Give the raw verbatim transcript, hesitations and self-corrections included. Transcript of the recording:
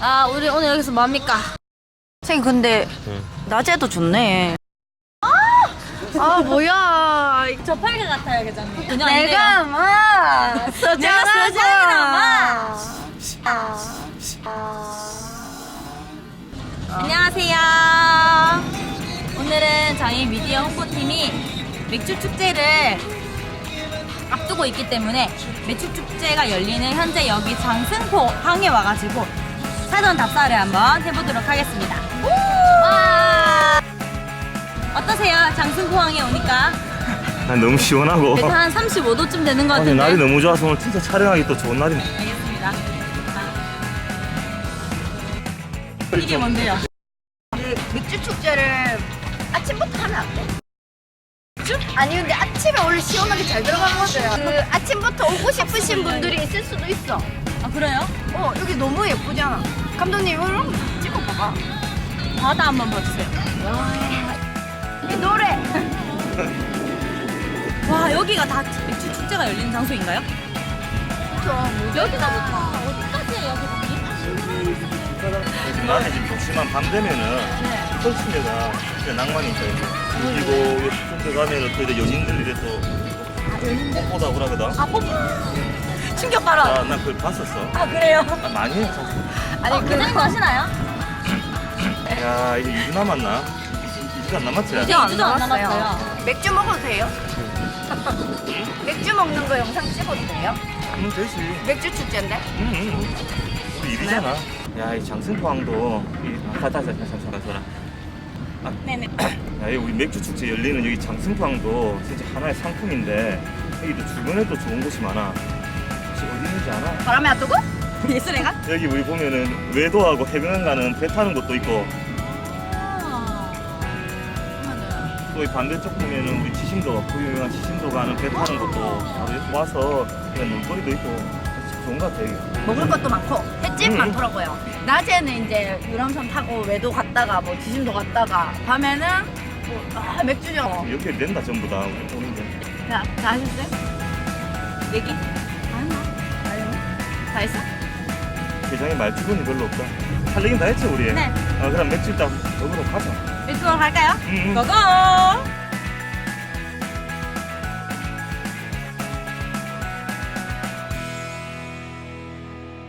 아, 우리 오늘 여기서 뭐합니까? 선생님 근데 응. 낮에도 좋네. 아, 뭐야. 저 팔개 같아요, 계장님. 전혀 안 돼요. 내가 막 내가 서장하고 서장이라 안녕하세요. 오늘은 저희 미디어 홍보팀이 맥주 축제를 앞두고 있기 때문에 맥주 축제가 열리는 현재 여기 장승포 항에 와가지고 사전 답사를 한번 해보도록 하겠습니다. 와! 어떠세요? 장승포 항에 오니까? 난 너무 시원하고. 그래도 한 삼십오 도쯤 되는 것 아니, 같은데. 날이 너무 좋아서 오늘 진짜 촬영하기 또 좋은 날이네. 알겠습니다. 이게 뭔데요? 맥주 축제를 아침부터 하면 안 돼? 맥주? 아니 근데 아침에 원래 시원하게 잘 들어가거든. 그 아침부터 오고 싶으신 분들이 있을 수도 있어. 아, 그래요? 어 여기 너무 예쁘잖아. 감독님 이거 찍어봐봐. 바다 한번 봐주세요. 이 노래. 와, 여기가 다 맥주 축제가 열리는 장소인가요? 여기가 좋다. 어디까지예요, 여기? 낮에 지금 좋지만 밤 되면은 네. 펼친 데가 진짜 낭만이 있어요. 그리고 여기 들어가면은 또 이제 연인들 이래 또 뽀뽀다 그러거든. 아, 뽀뽀. 충격 발언. 아, 난 그걸 봤었어. 아, 그래요? 아, 많이 해요, 사실. 아니, 어, 그장도 하시나요? 야, 이제 이 주 남았나? 이 주 안 남았지? 이제 이 주도 안 남았어요. 맥주 먹어도 돼요? 맥주 먹는 거 영상 찍어도 돼요? 응, 되지. 맥주 축제인데? 응, 응. 우리 일이잖아. 야, 이 장승포항도 이 아, 다시 다시 다시 다시 아, 네네. 야, 이 우리 맥주 축제 열리는 여기 장승포항도 진짜 하나의 상품인데 여기도 주변에 또 좋은 곳이 많아. 혹시 어디 있는지 알아? 바람에 안 뜨고? 예술애가? 여기 우리 보면은 외도하고 해변 가는 배 타는 곳도 있고 또 이 반대쪽 보면은 우리 지심도 그 유명한 지심도 가는 배 타는 것도 바로 이렇게 와서 그냥 놀거리도 있고 진짜 좋은 것 같아 여기. 먹을 것도 많고 횟집 음. 많더라고요. 낮에는 이제 유람선 타고 외도 갔다가 뭐 지심도 갔다가 밤에는 뭐 아, 맥주죠. 여기 된다 전부 다 우리 보는데. 자, 다 하셨어요? 얘기? 다 했나? 다 했나? 다 했어? 대장에 말주변이 별로 없다. 할 얘기는 다 했지 우리. 네. 아, 그럼 맥주 일단 먹으러 가자. 맥주 먹으러 갈까요? 응, 응. 고고!